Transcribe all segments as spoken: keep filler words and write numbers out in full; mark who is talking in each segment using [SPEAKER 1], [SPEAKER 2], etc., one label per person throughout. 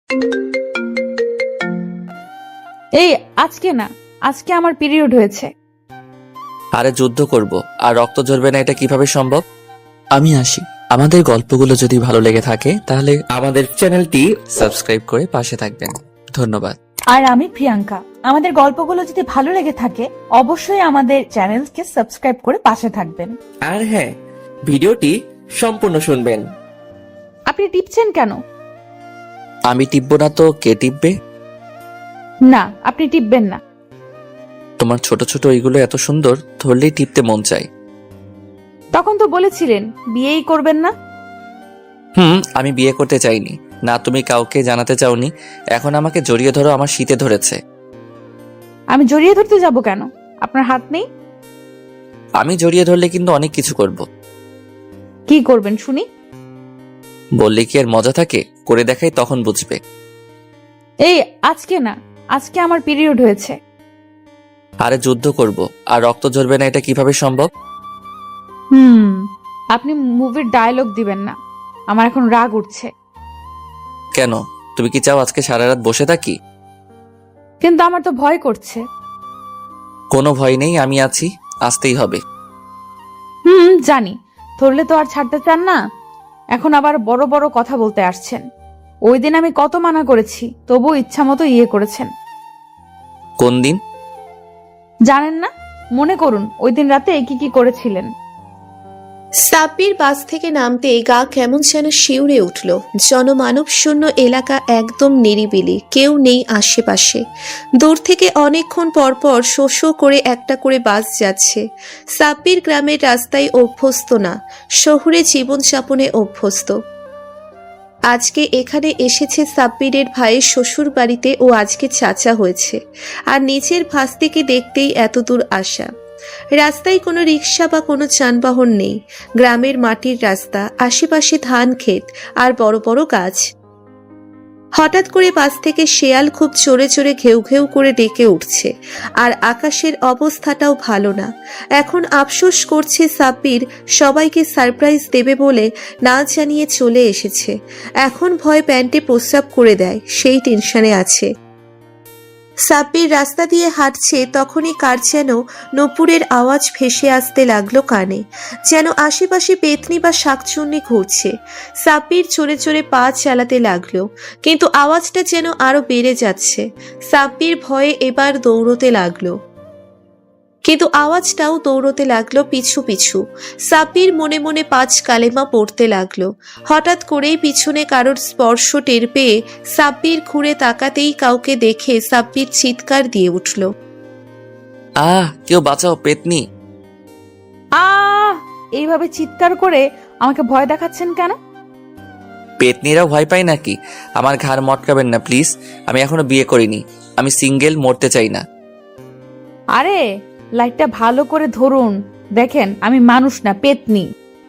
[SPEAKER 1] এই আজকে না, আজকে আমার পিরিয়ড হয়েছে।
[SPEAKER 2] আরে যুদ্ধ করব আর রক্ত ঝরবে না, এটা কিভাবে সম্ভব? আমি আসি। আমাদের গল্পগুলো যদি ভালো লেগে থাকে তাহলে আমাদের চ্যানেলটি সাবস্ক্রাইব করে পাশে থাকবেন। ধন্যবাদ।
[SPEAKER 1] আর আমি প্রিয়াঙ্কা। আমাদের গল্পগুলো যদি ভালো লেগে থাকে অবশ্যই আমাদের চ্যানেলকে সাবস্ক্রাইব করে পাশে থাকবেন।
[SPEAKER 3] আর হ্যাঁ, ভিডিওটি সম্পূর্ণ শুনবেন।
[SPEAKER 1] আপনি টিপছেন কেন?
[SPEAKER 2] আমি টিপবো না তো কে টিপবে?
[SPEAKER 1] না, আপনি টিপবেন না।
[SPEAKER 2] তোমার ছোট ছোট ওইগুলো এত সুন্দর, ধরলেই টিপতে মন চায়।
[SPEAKER 1] তখন তো বলেছিলেন বিয়েই করবেন না।
[SPEAKER 2] হুম, আমি বিয়ে করতে চাইনি না, তুমি কাউকে জানাতে চাওনি। এখন আমাকে জড়িয়ে ধরো, আমার শীতে ধরেছে।
[SPEAKER 1] আমি জড়িয়ে ধরতে যাব কেন? আপনার হাত নেই?
[SPEAKER 2] আমি জড়িয়ে ধরলে কিন্তু অনেক কিছু করব।
[SPEAKER 1] কি করবেন শুনি?
[SPEAKER 2] বললে কি আর মজা থাকে? করে দেখাই, তখন বুঝবে।
[SPEAKER 1] এই আজকে না, আজকে আমার পিরিয়ড হয়েছে।
[SPEAKER 2] আরে যুদ্ধ করব আর রক্ত ঝরবে না, এটা কিভাবে সম্ভব?
[SPEAKER 1] হুম, আপনি মুভির ডায়লগ দিবেন না, আমার এখন রাগ উঠছে।
[SPEAKER 2] কেন? তুমি কি চাও আজকে সারা রাত বসে থাকি?
[SPEAKER 1] কিন্তু আমার তো ভয় করছে।
[SPEAKER 2] কোনো ভয় নেই, আমি আছি, আসতেই হবে।
[SPEAKER 1] হুম জানি, ধরলে তো আর ছাড়তে চান না। এখন আবার বড় বড় কথা বলতে আসছেন। ওই দিন আমি কত মানা করেছি, তবু ইচ্ছা মতো ইয়ে করেছেন।
[SPEAKER 2] কোন দিন?
[SPEAKER 1] জানেন না? মনে করুন ওই দিন রাতে কি কি করেছিলেন।
[SPEAKER 4] সাব্বির বাস থেকে নামতে গা কেমন যেন শিউরে উঠল। জনমানব শূন্য এলাকা, একদম নিরিবিলি, কেউ নেই আশেপাশে। দূর থেকে অনেকক্ষণ পরপর শো শো করে একটা করে বাস যাচ্ছে। সাব্বির গ্রামের রাস্তায় অভ্যস্ত না, শহুরে জীবনযাপনে অভ্যস্ত। আজকে এখানে এসেছে সাব্বিরের ভাইয়ের শ্বশুর বাড়িতে, ও আজকে চাচা হয়েছে, আর নিজের ভাস্তিকে দেখতেই এতদূর আসা। রাস্তায় কোনো রিক্সা বা কোনো যানবাহন নেই। গ্রামের মাটির রাস্তা, আশেপাশে ধান ক্ষেত আর বড় বড় গাছ। হঠাৎ করে বাস থেকে শেয়াল খুব জোরে জোরে ঘেউ ঘেউ করে ডেকে উঠছে, আর আকাশের অবস্থাটাও ভালো না। এখন আফসোস করছে সাব্বির সবাইকে সারপ্রাইজ দেবে বলে না জানিয়ে চলে এসেছে। এখন ভয় প্যান্টে প্রস্রাব করে দেয়, সেই টেনশনে আছে। সাব্বির রাস্তা দিয়ে হাঁটছে, তখনই কার যেন নূপুরের আওয়াজ ভেসে আসতে লাগলো কানে, যেন আশেপাশে পেতনি বা শাকচুন্নি ঘুরছে। সাব্বির চড়ে চড়ে পা চালাতে লাগলো, কিন্তু আওয়াজটা যেন আরো বেড়ে যাচ্ছে। সাব্বির ভয়ে এবার দৌড়তে লাগলো, কিন্তু আওয়াজটাও দৌড়তে লাগলো পিছু পিছু। সাব্বির মনে মনে পাঁচ কালেমা পড়তে লাগলো। হঠাৎ করেই পিছনে কারোর স্পর্শ টের পেয়ে সাব্বির ঘুরে তাকাতেই কাউকে দেখে সাব্বির চিৎকার দিয়ে উঠল।
[SPEAKER 2] আহ, কেউ বাঁচাও, পেতনি!
[SPEAKER 1] আহ এইভাবে চিৎকার করে আমাকে ভয় দেখাচ্ছেন কেন?
[SPEAKER 2] পেতনিরাও ভয় পায় নাকি? আমার ঘাড় মটকাবেন না প্লিজ। আমি এখনো বিয়ে করিনি, আমি সিঙ্গেল, মরতে চাই না।
[SPEAKER 1] আরে লাইটটা ভালো করে ধরুন, দেখেন আমি মানুষ না, পেতনি।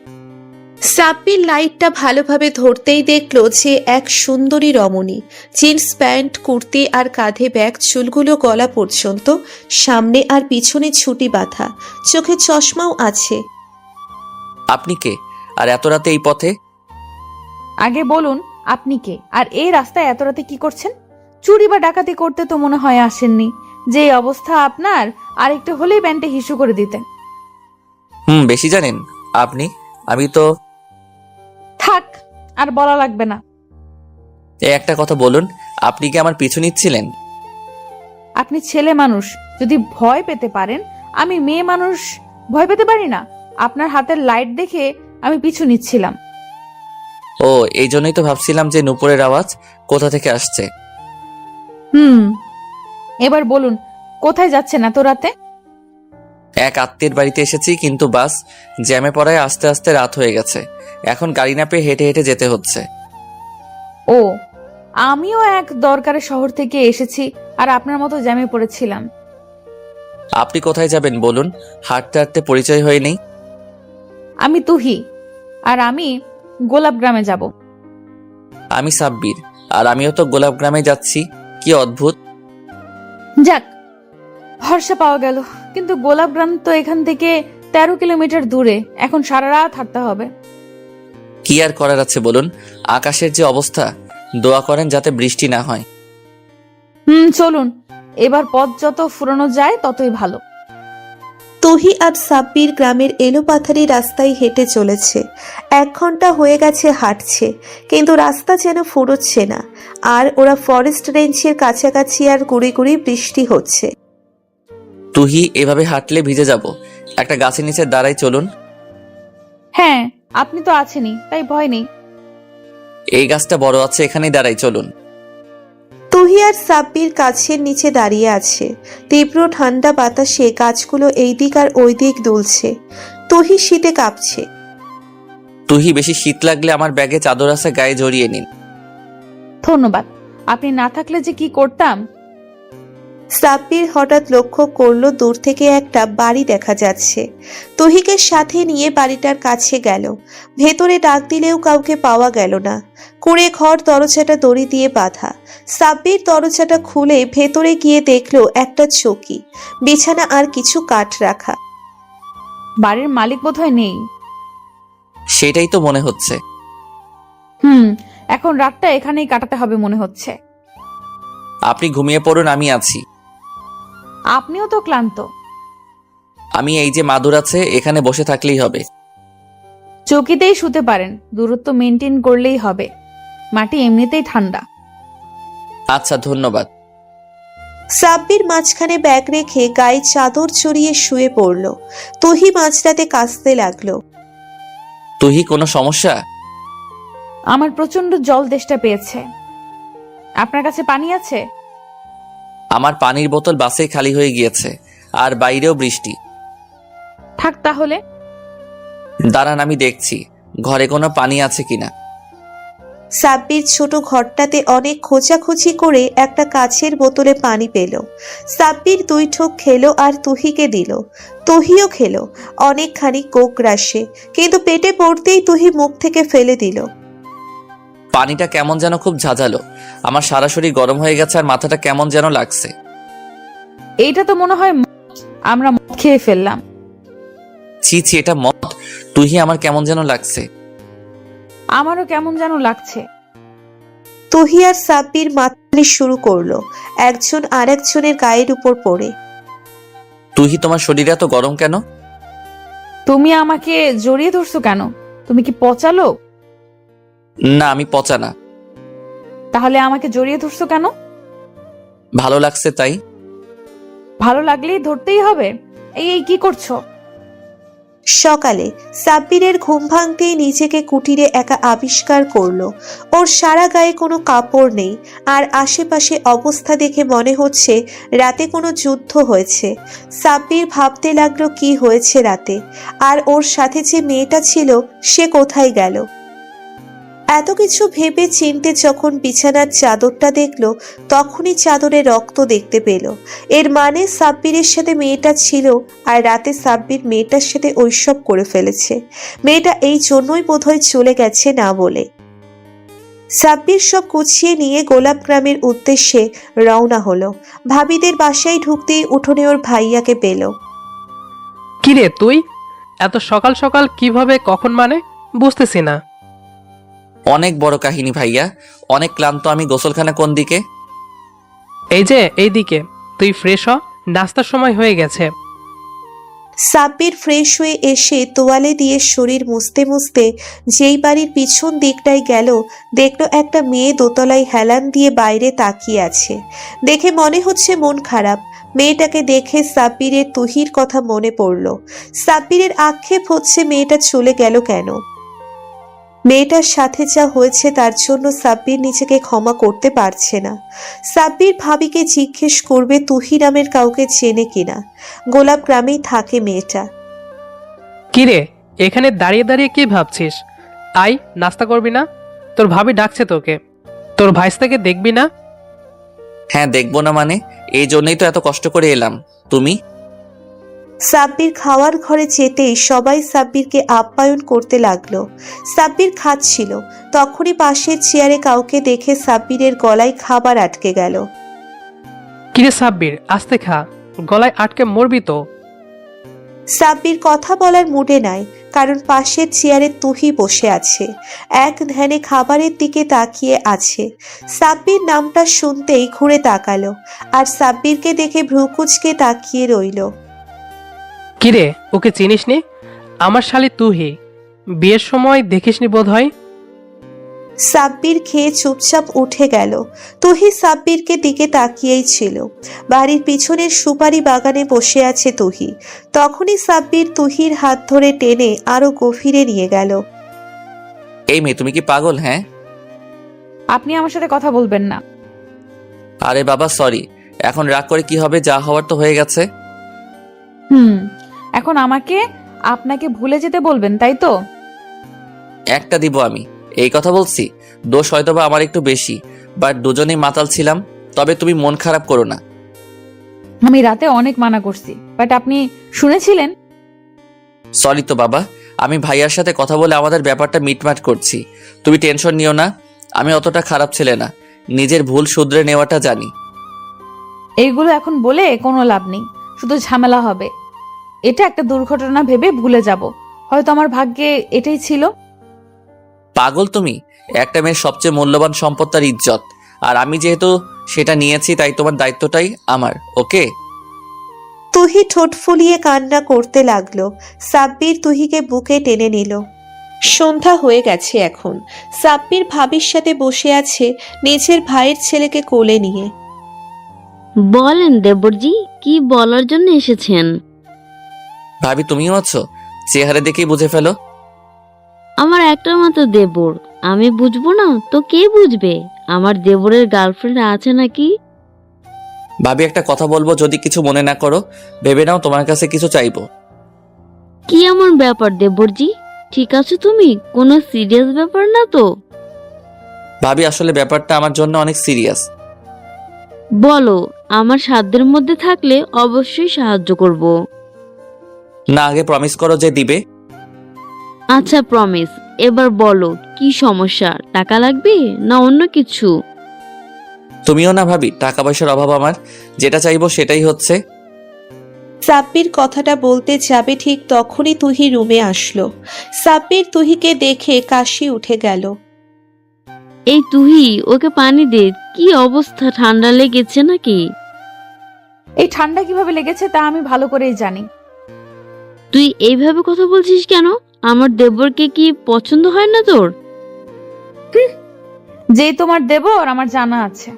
[SPEAKER 4] সাব্বির লাইটটা ভালোভাবে ধরতেই দেখলো যে এক সুন্দরী রমণী, জিন্স প্যান্ট, কুর্তি আর কাঁধে ব্যাগ, চুলগুলো গলা পর্যন্ত, সামনে আর পিছনে ছুটি বাঁধা, চোখে চশমাও আছে।
[SPEAKER 2] আপনি কে? আর এত রাতে এই পথে?
[SPEAKER 1] আগে বলুন আপনি কে, আর এই রাস্তায় এত রাতে কি করছেন? চুরি বা ডাকাতি করতে তো মনে হয় আসেননি। যে অবস্থা আপনার, আর একটু হলেই প্যান্টে হিসু করে দিতেন।
[SPEAKER 2] হুম, বেশি জানেন আপনি। আমি তো...
[SPEAKER 1] থাক, আর বলা লাগবে না।
[SPEAKER 2] এই একটা কথা বলুন, আপনি কি আমার পিছু নিচ্ছিলেন?
[SPEAKER 1] আপনি ছেলে মানুষ, যদি ভয় পেতে পারেন, আমি মেয়ে মানুষ ভয় পেতে পারি না? আপনার হাতের লাইট দেখে আমি পিছু নিচ্ছিলাম।
[SPEAKER 2] ও, এই জন্যই তো ভাবছিলাম যে নূপুরের আওয়াজ কোথা থেকে আসছে।
[SPEAKER 1] হুম, এবার বলুন কোথায় যাচ্ছেন এত রাতে?
[SPEAKER 2] এক আত্মীয়ের বাড়িতে এসেছি, কিন্তু বাস জ্যামে পড়ায় আস্তে আস্তে রাত হয়ে গেছে। এখন গাড়ি না পেয়ে হেঁটে হেঁটে যেতে হচ্ছে।
[SPEAKER 1] ও, আমিও এক দরকারে শহর থেকে এসেছি, আর আপনার মতো জ্যামে পড়েছিলাম।
[SPEAKER 2] আপনি কোথায় যাবেন বলুন? হাঁটতে হাঁটতে পরিচয় হয়ে নেই।
[SPEAKER 1] আমি তুহি, আর আমি গোলাপ গ্রামে যাব।
[SPEAKER 2] আমি সাব্বির, আর আমিও তো গোলাপ গ্রামে যাচ্ছি। কি অদ্ভুত!
[SPEAKER 1] যাক, ভরসা পাওয়া গেল। কিন্তু গোলাপ গ্রাম তো এখান থেকে তেরো কিলোমিটার দূরে, এখন সারা রাত হাঁটতে হবে।
[SPEAKER 2] কি আর করার আছে বলুন? আকাশের যে অবস্থা, দোয়া করেন যাতে বৃষ্টি না হয়।
[SPEAKER 1] হুম, চলুন। এবার পথ যত ফুরানো যায় ততই ভালো।
[SPEAKER 4] তুহি আর সাব্বির গ্রামের এলোপাথারি রাস্তায় হেঁটে চলেছে। এক ঘন্টা হয়ে গেছে হাঁটছে, কিন্তু রাস্তা যেন ফুরোচ্ছে না। আর ওরা ফরেস্ট রেঞ্জের কাছাকাছি আর গুড়ি গুড়ি বৃষ্টি হচ্ছে।
[SPEAKER 2] তুহি, এভাবে হাঁটলে ভিজে যাব। একটা গাছের নিচে দাঁড়াই, চলুন।
[SPEAKER 1] হ্যাঁ, আপনি তো আছেনই, তাই ভয় নেই।
[SPEAKER 2] এই গাছটা বড় আছে, এখানেই দাঁড়াই, চলুন।
[SPEAKER 4] তুহি আর সাব্বির গাছের নিচে দাঁড়িয়ে আছে। তীব্র ঠান্ডা বাতাসে গাছগুলো এই দিক আর ওই দিক দুলছে। তুহি শীতে কাঁপছে।
[SPEAKER 2] তুহি, বেশি শীত লাগলে আমার ব্যাগে চাদর আছে, গায়ে জড়িয়ে নিন।
[SPEAKER 1] ধন্যবাদ। আপনি না থাকলে যে কি করতাম।
[SPEAKER 4] সাব্বির হঠাৎ লক্ষ্য করলো দূর থেকে একটা বাড়ি দেখা যাচ্ছে। তুহিকে সাথে নিয়ে বাড়িটার কাছে গেল। ভেতরে ডাক দিলেও কাউকে পাওয়া গেল না। কুঁড়ে ঘর, দরজাটা দড়ি দিয়ে বাঁধা। সাব্বির দরজাটা খুলে ভেতরে গিয়ে দেখলো একটা চৌকি, বিছানা আর কিছু কাঠ রাখা।
[SPEAKER 1] বাড়ির মালিক বোধহয় নেই।
[SPEAKER 2] সেটাই তো মনে হচ্ছে।
[SPEAKER 1] হুম, এখন রাতটা এখানেই কাটাতে হবে মনে হচ্ছে।
[SPEAKER 2] আপনি ঘুমিয়ে পড়ুন, আমি আছি।
[SPEAKER 1] আপনিও তো ক্লান্ত।
[SPEAKER 2] আমি এই যে মাদুর আছে, এখানে বসে থাকলেই হবে।
[SPEAKER 1] চৌকিতেই শুতে পারেন, দূরত্ব মেনটেন করলেই হবে। মাটি এমনিতেই ঠান্ডা।
[SPEAKER 2] আচ্ছা, ধন্যবাদ।
[SPEAKER 4] সাব্বির মাঝখানে ব্যাগ রেখে গায়ে চাদর চড়িয়ে শুয়ে পড়ল। তুহি মাঝরাতে কাঁদতে লাগলো।
[SPEAKER 2] তুহি, কোনো সমস্যা?
[SPEAKER 1] আমার প্রচন্ড জল তেষ্টা পেয়েছে। আপনার কাছে পানি আছে?
[SPEAKER 2] আমার পানির বোতল বাসেই খালি হয়ে গিয়েছে, আর বাইরেও বৃষ্টি।
[SPEAKER 1] থাক তাহলে।
[SPEAKER 2] দাঁড়ান, আমি দেখছি ঘরে কোনো পানি আছে কিনা।
[SPEAKER 4] সাব্বির ছোট ঘরটাতে অনেক খোঁজাখুঁজি করে একটা কাচের বোতলে পানি পেল। সাব্বির দুই ঠোক খেলো আর তুহিকে দিল। তুহিও খেলো অনেকখানি কোক রাশে, কিন্তু পেটে পড়তেই তুহি মুখ থেকে ফেলে দিল।
[SPEAKER 2] পানিটা কেমন যেন খুব ঝাঁঝালো। আমার সারা শরীর গরম হয়ে গেছে আর মাথাটা কেমন যেন লাগছে।
[SPEAKER 1] এইটা তো মনে হয় মদ। আমরা মদ খেয়ে ফেললাম।
[SPEAKER 2] ছি ছি, এটা মদ। তুহি, আমার কেমন যেন লাগছে।
[SPEAKER 1] আমারও কেমন যেন লাগছে।
[SPEAKER 4] তুহি আর সাব্বির মাতালি শুরু করলো, একজন আর একজনের গায়ের উপর পড়ে।
[SPEAKER 2] তুহি, তোমার শরীরে এত গরম কেন?
[SPEAKER 1] তুমি আমাকে জড়িয়ে ধরছো কেন? তুমি কি পচালো?
[SPEAKER 2] না, আমি পচা না।
[SPEAKER 1] তাহলে আমাকে জড়িয়ে ধরছো কেন?
[SPEAKER 2] ভালো লাগছে তাই।
[SPEAKER 1] ভালো লাগলেই ধরতেই হবে? এই এই কি করছো?
[SPEAKER 4] সকালে সাব্বিরের ঘুম ভাঙতেই নিজেকে কুটিরে একা আবিষ্কার করলো। ওর সারা গায়ে কোনো কাপড় নেই, আর আশেপাশে অবস্থা দেখে মনে হচ্ছে রাতে কোনো যুদ্ধ হয়েছে। সাব্বির ভাবতে লাগলো কি হয়েছে রাতে, আর ওর সাথে যে মেয়েটা ছিল সে কোথায় গেল। এত কিছু ভেবে চিনতে যখন বিছানার চাদরটা দেখলো, তখনই চাদরে রক্ত দেখতে পেল। এর মানে সাব্বিরের সাথে মেয়েটা ছিল, আর রাতে সাব্বির মেয়েটার সাথে ঐসব করে ফেলেছে। মেয়েটা এই জন্যই বোধহয় চলে গেছে না বলে। সাব্বির সব গুছিয়ে নিয়ে গোলাপ গ্রামের উদ্দেশ্যে রওনা হলো। ভাবিদের বাসায় ঢুকতেই উঠোনে ওর ভাইয়াকে পেল।
[SPEAKER 5] কিরে তুই এত সকাল সকাল কিভাবে, কখন মানে বুঝতেছি না।
[SPEAKER 2] অনেক বড় কাহিনী ভাইয়া, অনেক ক্লান্ত আমি। গোসলখানা কোন দিকে?
[SPEAKER 5] এই যে এইদিকে, তুই ফ্রেশ হ, নাস্তার সময় হয়ে গেছে।
[SPEAKER 4] সাব্বির ফ্রেশ হয়ে এসে তোয়ালে দিয়ে শরীর মুছতে মুছতে যেই বাড়ির পিছন দিকটায় গেল, দেখলো একটা মেয়ে দোতলায় হেলান দিয়ে বাইরে তাকিয়ে আছে। দেখে মনে হচ্ছে মন খারাপ। মেয়েটাকে দেখে সাব্বিরের তুহির কথা মনে পড়ল। সাব্বিরের আক্ষেপ হচ্ছে মেয়েটা চলে গেল কেন। মেয়েটার সাথে যা হয়েছে তার জন্য সাব্বির নিজেকে ক্ষমা করতে পারছে না। সাব্বির ভাবিকে জিজ্ঞেস করবে তুহি নামের কাউকে চেনে কিনা। গোলাপ গ্রামেই থাকে মেয়েটা।
[SPEAKER 5] কিরে, এখানে দাঁড়িয়ে দাঁড়িয়ে কি ভাবছিস? আয়, নাস্তা করবি না? তোর ভাবি ডাকছে তোকে। তোর ভাইস্তাকে দেখবি না?
[SPEAKER 2] হ্যাঁ, দেখবো না মানে? এই জন্যই তো এত কষ্ট করে এলাম। তুমি?
[SPEAKER 4] সাব্বির খাওয়ার ঘরে যেতেই সবাই সাব্বিরকে আপ্যায়ন করতে লাগলো। সাব্বির খাচ্ছিল, তখনই পাশের চেয়ারে কাউকে দেখে সাব্বিরের গলায় খাবার আটকে গেল।
[SPEAKER 5] কিরে সাব্বির, আস্তে খা, গলায় আটকে মরবি তো।
[SPEAKER 4] সাব্বির কথা বলার মুডে নাই। কারণ পাশের চেয়ারে তুহি বসে আছে, এক ধ্যানে খাবারের দিকে তাকিয়ে আছে। সাব্বির নামটা শুনতেই ঘুরে তাকালো, আর সাব্বিরকে দেখে ভ্রুকুচকে তাকিয়ে রইল।
[SPEAKER 5] কিরে, ওকে চিনিসনি? আমার শালি তুহি, বিয়ের সময় দেখিসনি বোধ হয়।
[SPEAKER 4] সাব্বির খেয়ে চুপচাপ উঠে গেল। তুহি সাব্বিরকে দিকে তাকিয়েই ছিল। বাড়ির পিছনের সুপারি বাগানে বসে আছে তুহি। তখনই সাব্বির তুহির হাত ধরে টেনে আরো গভীরে নিয়ে গেল।
[SPEAKER 2] এই মেয়ে, তুমি কি পাগল? হ্যাঁ।
[SPEAKER 1] আপনি আমার সাথে কথা বলবেন না।
[SPEAKER 2] আরে বাবা সরি, এখন রাগ করে কি হবে? যা হওয়ার তো হয়ে গেছে।
[SPEAKER 1] হুম, এখন আমাকে আপনাকে ভুলে যেতে বলবেন, তাই তো?
[SPEAKER 2] একটা দিব আমি, এই কথা বলছি। দোষ হয়তোবা আমার একটু বেশি, বাট দুজনেই মাতাল ছিলাম। তবে তুমি মন খারাপ করো না।
[SPEAKER 1] আমি রাতে অনেক মানা করছি, বাট আপনি শুনেছিলেন।
[SPEAKER 2] সরি তো বাবা, আমি ভাইয়ার সাথে কথা বলে আমাদের ব্যাপারটা মিটমাট করছি। তুমি টেনশন নিও না, আমি অতটা খারাপ ছেলে না, নিজের ভুল শুধরে নেওয়াটা জানি।
[SPEAKER 1] এইগুলো এখন বলে কোনো লাভ নেই, শুধু ঝামেলা হবে। এটা একটা দুর্ঘটনা ভেবে ভুলে যাব, হয়তো আমার ভাগ্যে এটাই ছিল।
[SPEAKER 2] পাগল তুমি? একটা মেয়ের সবচেয়ে মূল্যবান সম্পদ তার ইজ্জত, আর আমি যেহেতু সেটা নিয়েছি তাই তোমার দায়িত্বটাই আমার। ওকে?
[SPEAKER 4] তুহি ঠোঁট ফুলিয়ে কান্না করতে লাগলো। সাব্বির তুহিকে বুকে টেনে নিল। সন্ধ্যা হয়ে গেছে এখন। সাব্বির ভাবির সাথে বসে আছে নিজের ভাইয়ের ছেলেকে কোলে নিয়ে।
[SPEAKER 6] বলেন দেবরজি, কি বলার জন্য এসেছেন?
[SPEAKER 2] ভাবি তুমিও আছো? চেহারা দেখেই বুঝে ফেলো।
[SPEAKER 6] আমার একটা মাত্র দেবর, আমি বুঝবো না তো কে বুঝবে? আমার দেবরের গার্লফ্রেন্ড আছে নাকি?
[SPEAKER 2] ভাবি একটা কথা বলবো, যদি কিছু মনে না করো। ভেবে নাও তোমার কাছে কিছু চাইবো।
[SPEAKER 6] কি এমন ব্যাপার দেবরজি? ঠিক আছে তুমি, কোনো সিরিয়াস ব্যাপার না তো?
[SPEAKER 2] ভাবি আসলে ব্যাপারটা আমার জন্য অনেক সিরিয়াস।
[SPEAKER 6] বলো, আমার সাধ্যের মধ্যে থাকলে অবশ্যই সাহায্য করব।
[SPEAKER 2] না, আগে প্রমিস করো যে দিবে।
[SPEAKER 6] আচ্ছা প্রমিস, এবার বলো কি সমস্যা? টাকা লাগবে না অন্য কিছু?
[SPEAKER 2] তুমিও না ভাবি, টাকা পয়সার অভাব আমার, যেটা চাইবো সেটাই হচ্ছে।
[SPEAKER 4] সাব্বির কথাটা বলতে যাবে ঠিক তখনই তুহি রুমে আসলো। সাব্বির তুহিকে দেখে কাশি উঠে গেল।
[SPEAKER 6] এই তুহি, ওকে পানি দে। কি অবস্থা, ঠান্ডা লেগেছে নাকি?
[SPEAKER 1] এই ঠান্ডা কিভাবে লেগেছে তা আমি ভালো করেই জানি।
[SPEAKER 6] তুই এইভাবে কথা বলছিস কেন? আমার দেবরকে কি পছন্দ হয় না তোর?
[SPEAKER 1] যেই তোমার দেবর আমার জানা আছে।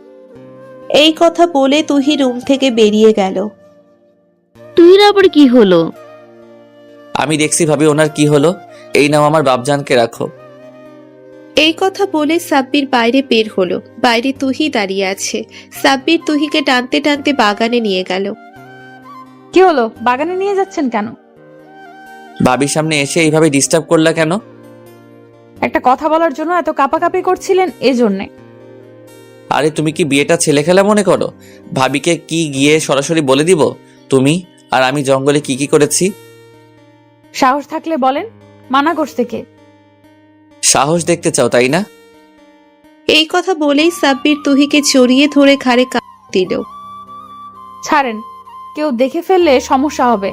[SPEAKER 4] এই কথা বলে তুহি রুম থেকে বেরিয়ে গেল।
[SPEAKER 6] তুহির আবার কি হলো?
[SPEAKER 2] আমি দেখছি ভাবি ওনার কি হলো। এই নাও আমার বাপজানকে রাখো।
[SPEAKER 4] এই কথা বলে সাব্বির বাইরে বের হলো। বাইরে তুহি দাঁড়িয়ে আছে। সাব্বির তুহিকে টানতে টানতে বাগানে নিয়ে গেল।
[SPEAKER 1] কি হলো, বাগানে নিয়ে যাচ্ছেন কেন?
[SPEAKER 2] ভাবির সামনে এসে এইভাবে ডিস্টার্ব করলা কেন?
[SPEAKER 1] একটা কথা বলার জন্য এত কাপাকাপি করছিলেন, এজন্যে।
[SPEAKER 2] আরে তুমি কি বিয়েটা ছেলে খেলা মনে করো? ভাবিকে কি গিয়ে সরাসরি বলে দিব তুমি আর আমি জঙ্গলে কি কি করেছি?
[SPEAKER 1] সাহস থাকলে বলেন, মানা করছে কে?
[SPEAKER 2] সাহস দেখতে চাও তাই না?
[SPEAKER 4] এই কথা বলেই সাব্বির তুহিকে জড়িয়ে ধরে ঘাড়ে কাঁধ দিল।
[SPEAKER 1] ছাড়েন, কেউ দেখে ফেললে সমস্যা হবে।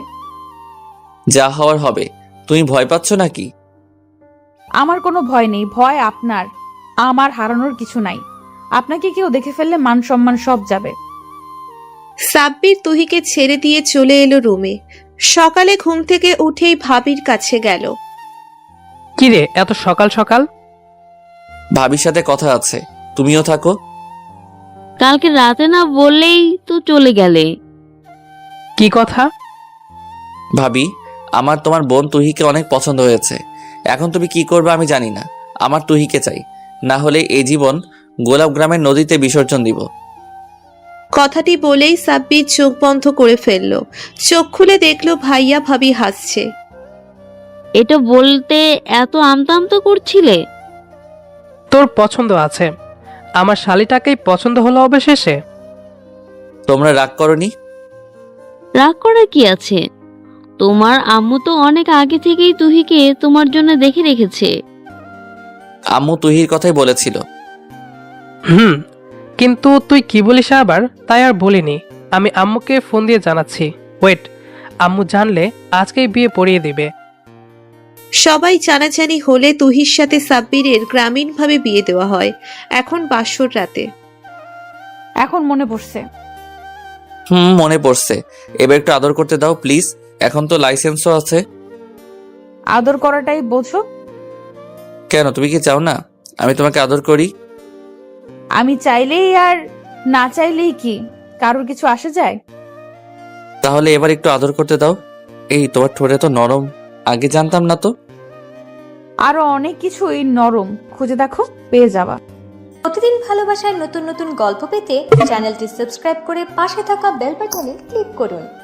[SPEAKER 2] যা হওয়ার হবে। তুমি ভয় পাচ্ছ নাকি?
[SPEAKER 1] আমার কোনো ভয় নেই, ভয় আপনার। আমার হারানোর কিছু নাই। আপনাকে কেউ দেখে ফেললে মান সম্মান সব যাবে।
[SPEAKER 4] সাব্বির তুহিকে ছেড়ে দিয়ে চলে এলো রুমে। সকালে ঘুম থেকে উঠেই ভাবির কাছে গেল।
[SPEAKER 5] কিরে, এত সকাল সকাল?
[SPEAKER 2] ভাবির সাথে কথা আছে, তুমিও থাকো।
[SPEAKER 6] কালকে রাতে না বললেই তো চলে গেলে।
[SPEAKER 5] কি কথা?
[SPEAKER 2] ভাবি, আমার তোমার বোন তুহিকে অনেক পছন্দ হয়েছে। এখন তুমি কি করবে আমি জানি না। আমার তুহিকে চাই, না হলে এই জীবন গোলাপ গ্রামের নদীতে বিসর্জন দিব।
[SPEAKER 4] কথাটি বলেই সাব্বির চোখ বন্ধ করে ফেলল। চোখ খুলে দেখলো ভাইয়া ভাবি হাসছে।
[SPEAKER 6] এটা বলতে এত আমতা আমতা করছিলে?
[SPEAKER 5] তোর পছন্দ আছে, আমার শালিটাকেই পছন্দ হলো অবশেষে।
[SPEAKER 2] তোমরা রাগ করনি?
[SPEAKER 6] রাগ করার কি আছে? তোমার আম্মু তো অনেক আগে থেকেই তুহিকে তোমার জন্য দেখে রেখেছে।
[SPEAKER 2] আম্মু তুহির কথাই বলেছিল।
[SPEAKER 5] হুম, কিন্তু তুই কি বলিস আবার? তাই আর বলিনি। আমি আম্মুকে ফোন দিয়ে জানাচ্ছি। ওয়েট, আম্মু জানলে আজকেই বিয়ে পড়িয়ে দিবে।
[SPEAKER 4] সবাই জানাজানি হলে তুহির সাথে সাব্বিরের গ্রামীণভাবে বিয়ে দেওয়া হয়। এখন বাসর রাতে
[SPEAKER 1] এখন মনে পড়ছে।
[SPEAKER 2] হুম, মনে পড়ছে। এবার একটু আদর করতে দাও প্লিজ। এখন তো লাইসেন্সও আছে।
[SPEAKER 1] আদর করাটাই বোঝো?
[SPEAKER 2] কেন, তুমি কি চাও না আমি তোমাকে আদর করি?
[SPEAKER 1] আমি চাইলেই আর না চাইলেই কি কারোর কিছু আসে যায়?
[SPEAKER 2] তাহলে এবার একটু আদর করতে দাও। এই তোমার ঠোঁটে তো নরম, আগে জানতাম না তো।
[SPEAKER 1] আরো অনেক কিছুই নরম, খুঁজে দেখো পেয়ে যাবা।
[SPEAKER 7] প্রতিদিন ভালোবাসার নতুন নতুন গল্প পেতে চ্যানেলটি সাবস্ক্রাইব করে পাশে থাকা বেল বাটনে ক্লিক করুন।